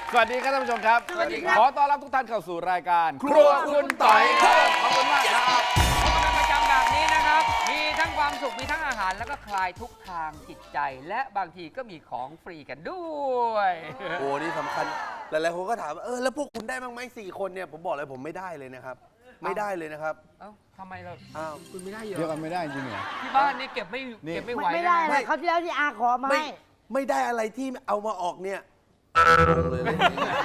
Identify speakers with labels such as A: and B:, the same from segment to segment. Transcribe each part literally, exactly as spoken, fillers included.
A: สวัสดีครับท่านผู้ชมครับ
B: สวัสดีครับ
A: ขอต้อนรับทุกท่านเข้าสู่รายการครัวคุณต่อยครับขอบคุณมากครับ
B: พบกันเป็นประจำแบบนี้นะครับ มีทั้งความสุข มีทั้งอาหาร แล้วก็คลายทุกทางจิตใจ และบางทีก็มีของฟรีกันด้วย
C: โอ้นี่สำคัญ หลายๆคนก็ถามว่าเออแล้วพวกคุณได้บ้างไหมสี่คนเนี่ยผมบอกเลยผมไม่ได้เลยนะครับ ไม่ได้เลยนะครับ
B: เอ้าทำไมเรา
C: อ้าว
B: คุณไม่ได้เยอะ
A: เดี๋ยวกันไม่ได้จริงเหรอ
B: ที่บ้านนี่เก็บไม่
A: นี่
B: เก็บไม่ไหว
D: ไม่ไม่ได้
B: นะ
D: เลยเขาวที่แล้วที่อาขอมา
C: ไม่
D: ให้
C: ไม่ได้อะไรที่เอามาออกเนี่ยงงเลยเลย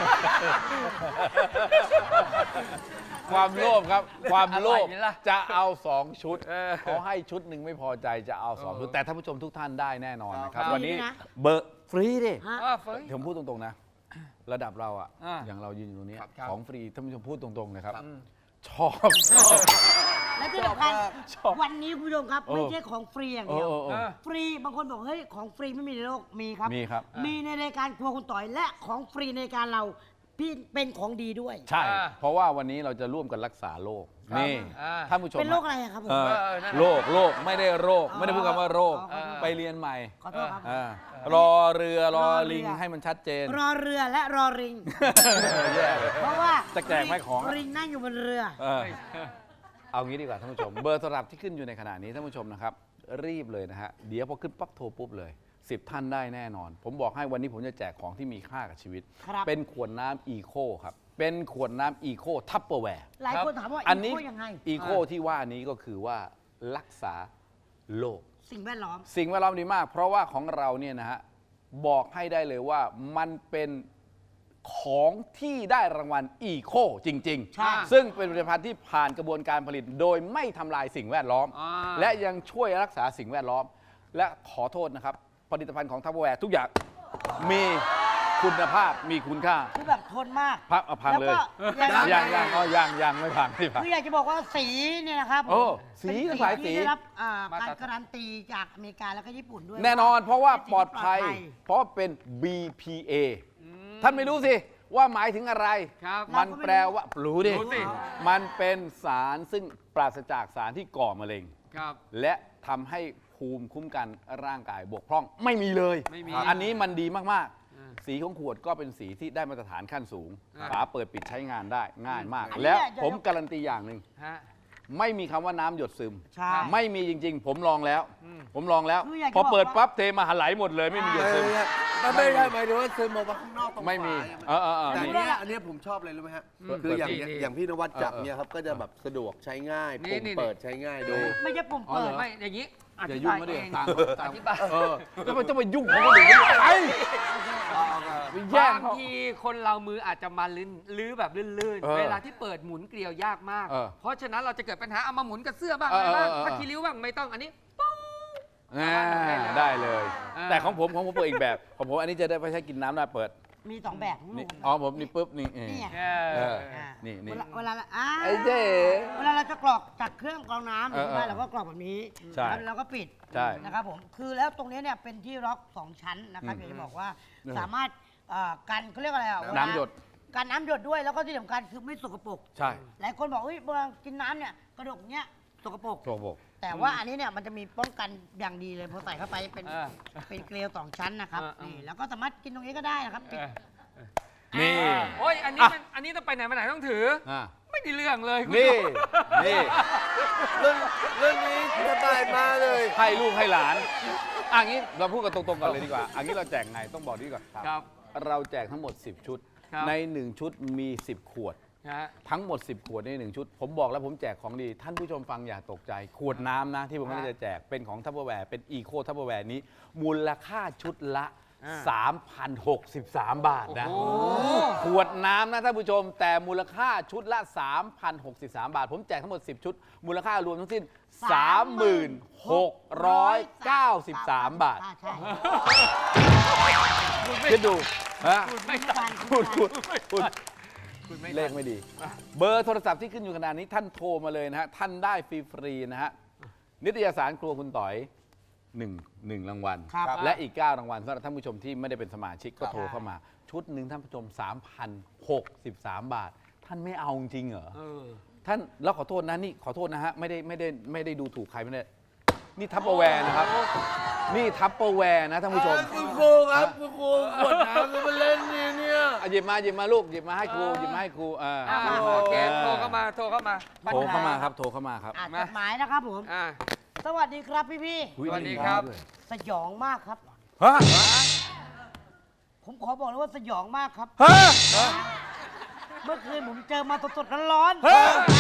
A: ความโลภครับ ความโลภ
B: อร่อยไหมล่ะ
A: จะเอาสองชุด
B: เออ
A: เขาให้ชุดหนึ่งไม่พอใจจะเอาสองชุด แต่ท่านผู้ชมทุกท่านได้แน่นอนนะครับ
B: ครับ
A: วันนี้
D: ฟรีด้วยนะ
A: เบอร์ฟรีดิ
D: ฮะ
B: เออเฟ้ย
A: ผมพูดตรงๆนะ ระดับเราอะ
B: อ่า
A: อย่างเรายืนอยู่ตรงนี้
B: ครับครับ
A: ของฟรีท่านผู้ชมพูดตรงๆนะครับ
B: อืม
A: ชอบ
D: และที่สำคัญ
A: ชอบ
D: วันนี้คุณผู้ชมครับ
A: เออ
D: ไม่ใช่ของฟรีอย่าง
A: เอ
D: เดี
A: อ
D: ยว
A: เออเอ
B: เอ
A: อ
B: อ
D: ฟรีบางคนบอกเฮ้ยของฟรีไม่มีในโลกมีครับ
A: มีครับ
D: มีในรายการครัวคุณต่อยและของฟรีในรายการเราพี่เป็นของดีด้วย
A: ใช่
B: อ่า
A: เพราะว่าวันนี้เราจะร่วมกันรักษาโรค
B: ครับ
A: นี่
B: อ่า
A: ท่านผู้ชม
D: เป็นโรคอะไรอะครับผม
A: เออ
B: เออนั่นแหละ
A: โรคโรคไม่ได้โรค
D: อ๋อ
A: ไม่ได้พูดคำว่าโรค
D: อ๋อ
A: ไปเรียนใหม่
D: ขอโทษครับ
A: อ่ารอเรือรอลิง
D: รอเรือ
A: ให้มันชัดเจน
D: รอเรือและรอริง
A: แย่เลย
D: เพราะว่า
A: จะแจกไหมของ
D: ริงนั่งอยู่บนเรือ
A: เออเอางี้ดีกว่าท่านผู้ชม เบอร์โทรศัพท์ที่ขึ้นอยู่ในขณะนี้ท่านผู้ชมนะครับ รีบเลยนะฮะ เดี๋ยวพอขึ้นปั๊บโทรปุ๊บเลยสิบท่านได้แน่นอน ผมบอกให้วันนี้ผมจะแจกของที่มีค่ากับชีวิต
D: ครับ
A: เป็นขวดน้ำอีโคครับ เป็นขวดน้ำอีโคทัพเปอร์แวร์
D: หลายคนถามว่า
A: อันนี้
D: อีโคยังไง
A: อีโคที่ว่านี้ก็คือว่ารักษาโรค
D: สิ่งแวดล้อม
A: สิ่งแวดล้อมดีมาก เพราะว่าของเราเนี่ยนะฮะบอกให้ได้เลยว่ามันเป็นของที่ได้รางวัลอีโคจริง
D: ใช่
A: ๆ ซึ่งเป็นผลิตภัณฑ์ที่ผ่านกระบวนการผลิต โดยไม่ทำลายสิ่งแวดล้อม
B: อ่า
A: และยังช่วยรักษาสิ่งแวดล้อม และขอโทษนะครับ ผลิตภัณฑ์ของทัพเปอร์แวร์ทุกอย่างมีคุณภาพมีคุณค่า
D: คือแบบทนมาก
A: พักเอาพังเลย
D: แล้วก็
A: ยังยังอ๋อยังยังไม่พังไม่พัง
D: คืออยากจะบอกว่าสีเนี่ยนะครับผม
A: โอ้สี
D: เป็น
A: หลายสี
D: ที่ได้รับอ่า
B: มาตร
D: การ
B: ฐาน
D: การันตีจากอเมริกาแล้วก็ญี่ปุ่นด้วย
A: แน่นอนเพราะว่า
D: เป็น
A: ปลอดภัย
D: สิ่งที่
A: เพราะเป็น บี พี เอ ท่านไม่รู้สิว่าหมายถึงอะไร
B: ครับ
A: มันแปลว่ารู้ดิ
B: รู้สิ
A: มันเป็นสารซึ่งปราศจากสารที่ก่อมะเร็ง
B: ครับ
A: และทำให้ภูมิคุ้มกันร่างกายบกพร่องไม่มีเลย
B: ไม่มี
A: อันนี้มันดีมาก
B: อ่า
A: ๆ สีของขวดก็เป็นสีที่ได้มาตรฐานขั้นสูง
B: อ่า
A: ฝาเปิดปิดใช้งานได้ง่ายมาก
D: อันนี้
A: แล้ว
D: เนี่ย
A: ผมการันตีอย่างหนึ่ง
B: ฮะ
A: ไม่มีคำว่าน้ำหยดซึม
D: ใช่
A: ไม่มีจริง ๆ ผมลองแล้ว ผมลองแล้ว
D: คืออยากจะ
A: พอเปิด
D: บอกว่า
A: ปั๊บเทมาหาไหลหมดเลยไม่มีหยดซึม
C: มันไม่ได้หมายถึงว่าซึมออกมาข้างนอกตรง
A: ไม่มี
C: ฝา
A: เออเออเออ
C: แต่อัน
A: นี่
C: เนี้ยอันเนี้ยผมชอบเลยรู้ไหมฮะ
B: อืม
C: คืออย่าง
B: เปิดดี
C: อย่างพี่นวัดจับ
A: เออเออ
C: เนี่ยครับก็จะแบบสะดวกใช้ง่าย
B: นี่
C: ปุ่ม
B: นี่
C: เปิดใช้ง่ายดู
D: ไม่ใช่ปุ่ม
A: อ๋อ
D: เปิ
A: เหร
D: ด
A: อ
B: ไม่อย่างนี้อ
A: อย่า
B: ธิ
A: ยุ่ง
B: บาย
A: ไม่ได้
B: เอง
A: ต่าง
B: อธิบาย
A: เออแล้วมันจะมายุ่งของคนอื่นได้ยังไงไปแย่ง
B: บาง
A: เขา
B: ทีคนเรามืออาจจะมาลื่นลื้อแบบลื่น
A: เออ
B: ๆ เวลาที่เปิดหมุนเกลียวยากมาก
A: เออ
B: เพราะฉะนั้นเราจะเกิดปัญหาเอามาหมุนกับเสื้อบ้าง
A: เอ
B: อะ
A: อ
B: ไรบ้าง
A: เออเออ
B: พักคีริ้วบ้างไม่ต้องอันนี้
A: อ่าได้เลย
B: อ่า
A: แต่ของผมของผมเปิดอีกแบบ ของผมอันนี้จะได้ไม่ใช้กินน้ำได้เปิด
D: มีสองแบบของหนู
A: นี่อ๋อผมนี่ปุ๊บนี่เออ
D: นี่ไง
B: เอ
A: เอ
B: อ
A: อ
D: อ่า
A: นี่นี่
D: เวลาเวลาอ่า
A: ไอ้เจ๊
D: เวลาเราจะกรอกจากเครื่องกรองน้ำ
A: เออ
D: ใช่ไหม
A: เออ
D: เราก็กรอกแบบนี้
A: ใช่
D: แล้วเราก็ปิด
A: ใช่
D: นะครับผมคือแล้วตรงนี้เนี่ยเป็นที่ล็อกสองชั้นนะครับ
A: อืม
D: อยากจะบอกว่า
A: เออ
D: สามารถเอ่อกันเขาเรียกอะไรอ่ะเวลา
A: น้ำหยด
D: กันน้ำหยดด้วยแล้วก็ที่สำคัญคือไม่สกปรก
A: ใช่
D: หลายคนบอกเฮ้ยเวลากินน้ำเนี่ยกระดกเนี้ยสกปรก
A: โชว์บอก
D: แต่ว่าอันนี้เนี่ยมันจะมีป้องกันอย่างดีเลยพอใส่เข้าไปเป็น
B: เออ
D: เป็นเกลียวสองชั้นนะครับ
B: เออเออ
D: นี่แล้วก็สามารถกินตรงนี้ก็ได้นะครับปิด
A: นี่
B: โอ้ยอันนี้มันอันนี้ต้องไปไหนมาไหนต้องถือ
A: อ่ะ
B: ไม่ได้เรื่องเลยคุณ
A: นี่
B: ผู้ชม
A: นี่
C: เรื่องเรื่องนี้สบายมากเลย
A: ให้ลูกให้หลานอ่ะงี้เราพูดกันตรงๆก่อนเลยดีกว่าอันนี้เราแจกไงต้องบอกดีก่อน
B: ครับ
A: เราแจกทั้งหมด สิบ ชุด
B: ครับ
A: ใน หนึ่ง ชุดมี สิบ ขวด
B: นะฮะ
A: ทั้งหมด สิบ ขวดในหนึ่งชุด ผมบอกแล้วผมแจกของดี ท่านผู้ชมฟังอย่าตกใจ ขวดน้ำนะ ที่ผม
B: ฮะ
A: ไม่ได้จะแจกเป็นของทัพเปอร์แวร์เป็นอีโคทัพเปอร์แวร์นี้ มูลค่าชุดละ
B: อ่า
A: สามพันหกสิบสาม บาทนะ
B: โอ้
A: ขวดน้ำนะท่านผู้ชม แต่มูลค่าชุดละ สามพันหกสิบสาม บาท ผมแจกทั้งหมด สิบ ชุด มูลค่ารวมทั้งสิ้น สามหมื่นหกร้อยเก้าสิบสาม บาท
D: อ่ใช่
A: คิดดูฮะ
B: คุณไม่ตัด
A: พูดพูดพูด
B: คุณไม่
A: เลขไม่ดี เบอร์โทรศัพท์ที่ขึ้นอยู่ขนาดนี้ท่านโทรมาเลยนะฮะ ท่านได้ฟรีๆนะฮะ นิตยสารครัวคุณต่อยหนึ่งหนึ่งรางวัล
D: ครับ
A: และอีก เก้า รางวัลสำหรับท่านผู้ชมที่ไม่ได้เป็นสมาชิกก็โทรเข้ามา ชุดหนึ่งท่านผู้ชม สามพันหกสิบสาม บาท ท่านไม่เอาจริงเหรอ
B: เออ
A: ท่านแล้วขอโทษนะนี่ขอโทษนะฮะไม่ได้ไม่ได้ไม่ได้ดูถูกใครไม่ได้นี่ทัพเปอร์แวร์นะครับ นี่ทัพเปอร์แวร์นะท่านผู้ชม
C: คุณครูครับคุณครูขวดน้ำจะมาเล่นนี่เนี่ย
A: หยิบมาหยิบมาลูกหยิบมาให้ครูหยิบมาให้ครูอ่า
B: อ่ามาโอเคโทรเข้ามาโทรเข้ามา
A: โทรเข้ามาครับโทรเข้ามาครับ
D: อ่านจดหมายนะครับผม
B: อ่า
D: สวัสดีครับพี่พี่
A: อุ๊ย
B: สวัสดีครับ
D: ๆสยองมากครับ
A: ฮะ
D: ผมขอบอกเลยว่าสยองมากครับ
A: ฮะ
D: เมื่อคืนผมเจอมาสดๆร้อน
A: ฮะ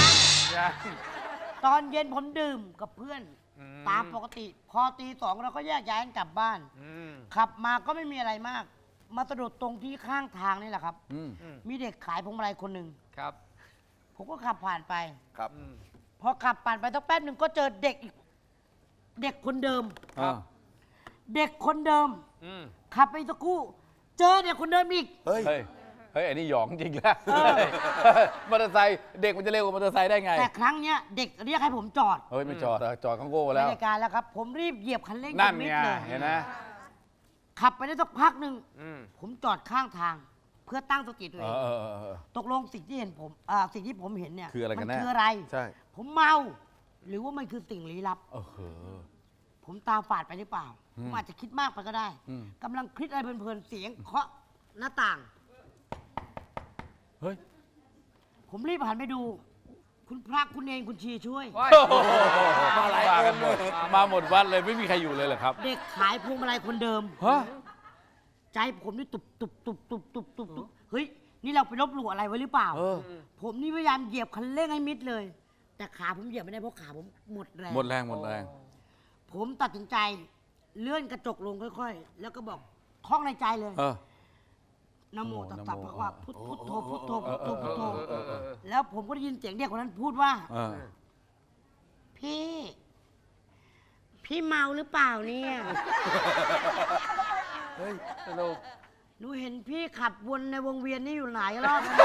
D: ๆตอนเย็นผมดื่มกับเพื่อน ตามปกติ พอตีสองเราก็แยกย้ายกันกลับบ้าน
B: อืม
D: ขับมาก็ไม่มีอะไรมาก มาสะดุดตรงที่ข้างทางนี่แหละครับ
A: อืม
D: มีเด็กขายพวงมาลัยคนหนึ่ง
B: ครับ
D: ผมก็ขับผ่านไป
C: ครับ
B: อืม
D: พอขับผ่านไปสักแป๊บหนึ่งก็เจอเด็กอีก เด็กคนเดิม
A: อ่า
D: เด็กคนเดิม
B: อืม
D: ขับไปสักครู่ เจอเด็กคนเดิมอีก
C: เฮ้ย
A: เฮ้ยเฮ้ยอันนี้หยองจริงแล้ว
D: เออ
A: มอเตอร์ไซค์เด็กมันจะเร็วกว่ามอเตอร์ไซค์ได้ไง
D: แต่ครั้งเนี้ยเด็กเรียกให้ผมจอด
A: เฮ้ยไม่จอดอะจอดข้างโก้
D: ใน
A: แล้ว
D: รายการแล้วครับ ผมรีบเหยียบคันเร่ง
A: นั่น
D: จมิด
A: ไง
D: เลย
A: เห็นไหม
D: ขับไปได้สักพักหนึ่ง
B: อืม
D: ผมจอดข้างทาง เพื่อตั้งสติตัว
A: เอ
D: เอง
A: อเออเออเออ
D: ตกลงสิ่งที่เห็นผมอ่าสิ่งที่ผมเห็นเนี่ย
A: คืออะไรกันแน่
D: มัคืออะไร
A: ใช่
D: ผมเมา หรือว่ามันคือสิ่งลี้ลับ
A: เออเหอ
D: ผมตาฝาดไปหรือเปล่า
A: อืม
D: ผมอาจจะคิดมากไปก็ได้
A: อืม
D: กำลังคิดอะไรเพลินๆเสียงเคาะหน้าต่าง
A: เฮ้ย
D: ผมรีบหันไปดู คุณพระคุณเองคุณชีช่วย
B: ว้าย
A: มาหลายกันหมดมาหมดวัดเลยไม่มีใครอยู่เลยเหรอครับ
D: เด็กขายพวงมาลัยคนเดิม
A: ฮะ
D: ใจผมนี่ตุบตุบตุบตุบตุบตุบตุบเฮ้ย นี่เราไปลบหลู่อะไรไว้หรือเปล่า
A: เออ
D: ผมนี่พยายามเหยียบคันเร่งให้มิดเลย แต่ขาผมเหยียบไม่ได้เพราะขาผมหมดแรง
A: หมดแรงหมดแรง
D: ผมตัดสินใจเลื่อนกระจกลงค่อยๆ แล้วก็บอกท่องในใจเลย
A: เออ
D: นะโม
A: โอ้
D: ตัส
A: นะ
D: สะ
A: โม
D: ภะคะวะพุทพุทโธพุทโธพุทโธพุทโธ
B: เออเออเออ
D: แล้วผมก็ได้ยินเสียงเด็กคนนั้นพูดว่า
A: เออ
D: พี่ พี่เมาหรือเปล่าเนี่ย
B: สรุป
D: หนูเห็นพี่ขับวนในวงเวียนนี่อยู่หลายรอบแล้ว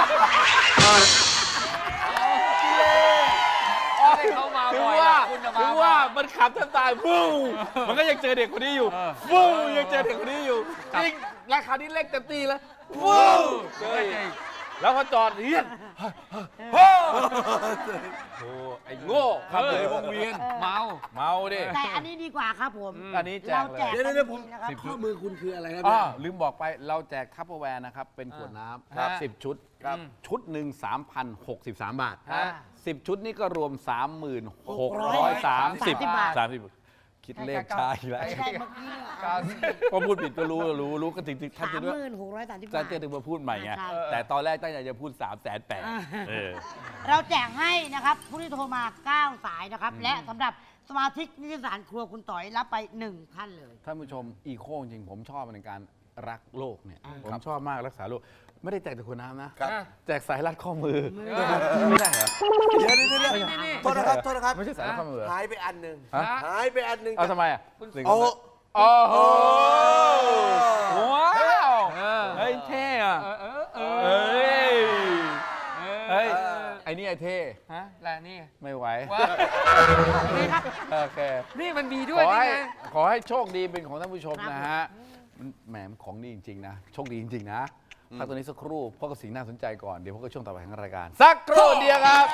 B: ให้เขามา
A: ถึง
B: บ่อย
A: ว่า
B: นะคุณจะ
A: ถึ
B: มาง
A: ว่ามันขับแทบตายฟูมันก็ยังเจอเด็กคนนี้อยู่ฟูยังเจอเด็กคนนี้อยู่จริงราคานี้เล็กเต็มตีแล้วฟูเจออีกแล้วพอจอดเฮียโอ้ไอ้โง่ขับอยู่ในวงเวียน
B: เมา
A: เมาดิ
D: แต่อันนี้ดีกว่าครับผม
A: อันนี้แจก
D: เรา
A: เลย
D: แจก
C: เดี๋ยวเดี๋ยวผม
D: นะครับ
C: ข้อมือคุณคืออะไรครับ
A: อ๋อ
C: เนี่ย
A: ลืมบอกไปเราแจกทัพเปอร์แวร์นะครับ เป็นขวดน้ำครับสิบชุด
B: ครับ
A: ชุดหนึ่งสามพันหกสิบสามบาท
B: ฮะ
A: สิบชุดนี่ก็รวมสามหมื่นหกร้อยสามสิบบาทสามสิบคิดเลขช้าอีกแล้ว
D: ไม่ใช่เมื่อกี้เนี่ย
B: เก้าสิบ
A: พอพูดผิดก็รู้รู้รู้ก็ถึงท่าน
D: สา
A: จะ
D: ม
A: ด้วย
D: หมื่นหกร้อยสามสิบบา
A: ท่าน
D: ท
A: จะถึงมาพูดใหม่ไง
D: ใช่
A: แต่ตอนแรกตั้งใจจะพูดสามแสนแปด
D: อ่า
A: เออ
D: เราแจกให้นะครับ ผู้ที่โทรมาเก้าสายนะครับ และสำหรับสมาชิกนิตยสารครัวคุณต่อยรับไปหนึ่งท่านเลย
A: ท่านผู้ชมอีโคจริงผมชอบในการรักโลกเนี่ย
D: อ่า
A: ผมชอบมากรักษาโลก ไม่ได้แจกแต่ขวดน้ำนะ
C: ครับ
A: แจกสายรัดข้อมือ
B: เออ
A: ไม่ได้เหรอ
C: เดี๋ยวเดี๋ยวเดี๋ยวโทษนะครับโทษนะครับ
A: ไม่ใช่สายรัดข้อมือเหรอ
C: หายไปอันหนึ่ง
A: ฮะ
C: หายไปอันหนึ่ง
A: เอาทำไมอ่ะ
C: เอา
A: โอ้โหว้าว
B: เออ
A: เฮ้ยเท่อะ
B: เออเออเออ
A: เฮ้ย
B: เออ
A: เฮ้ยไอ้นี่ไอ้เท่
B: ฮะแล้วนี่
A: ไม่ไหว
B: ว้านี่ครับ
A: โอเค
B: นี่มันมี
A: ข
B: ด้วย
A: อ
B: นี่
A: ให้
B: ไง
A: ขอให้โชคดีเป็นของท่านผู้ชม
D: ครับ
A: นะฮะมันแหมมันของดีจริง ๆ นะ โชคดีจริง ๆ นะพักตัวนี้สักครู่พบกับสิ่งน่าสนใจก่อน เดี๋ยวพบกับช่วงต่อไปของรายการ สักครู่เดียวครับ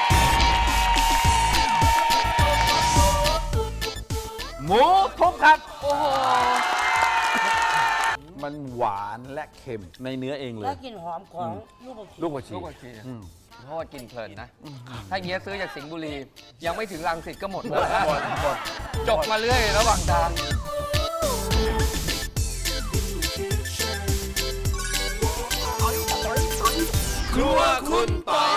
A: หมูทุบครับ
B: โอ้โห
A: มันหวานและเค็มในเนื้อเองเล
D: และ
A: ย
D: กลิ่นหอมของลูกผักชี
A: ลูกผักชี
B: ลูกผักชี
A: อืม
B: เพราะว่ากินเพลินนะ ถ้าเงี้ยซื้อจากสิงห์บุรี ยังไม่ถึงรังสิตก็หมด
A: หมดหมดหมด
B: จบมาเรื่อยระหว่างทาง
A: ครัวคุณปอย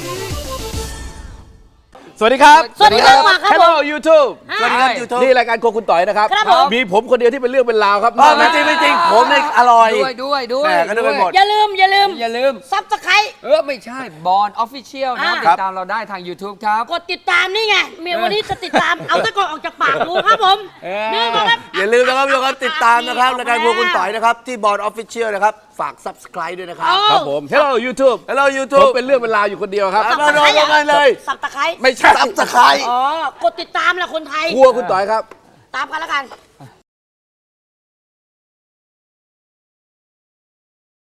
A: สวัสดีครับ
D: สวัสดีครับครับผม
A: Hello YouTube
C: สวัสดีครับยูทูบ
A: นี่รายการโครัวคุณต่อยนะครับ
D: ครับผม
A: มีผมคนเดียวที่เป็นเรื่องเป็นราวครับ
C: อ๋อไม่จริงไม่จริงผมเนี่ยอร่อย
B: ด้วยด้วยด้วย
C: แหม่ก็นึกไปหมด
D: อย่าลืม อย่าลืม
B: อย่าลืม
D: ซับสไครต์
B: เออ ไม่ใช่บอลออฟฟิเชียลนะ
D: อ่า
B: ติดตามเราได้ทาง YouTube ครับ
D: กดติดตามนี่ไงเมียวันนี้จะติดตาม เอาตะกอนออกจากปากดูครับผม
B: เออ
D: นี่ก็ครับ
C: อย่าลืมนะครับทุกคนติดตามนะครับรายการพวกคุณต่อยนะครับ ที่บอร์ดออฟฟิเชียลนะครับ ฝาก subscribe ด้วยนะครับ
D: เอา
A: ครับผม Hello YouTube
C: Hello
A: ผม
C: YouTube
A: เป็นเรื่องเป็นราวอยู่คนเดียวครับ
C: เอาเลยเอาเลยเลย
D: สับตะไคร้
A: ไม่ใช่
C: subscribe
D: อ๋อ กดติดตามแหละคนไทย
A: ครัวคุณต่อยครับ
D: ตามกันแล้วกัน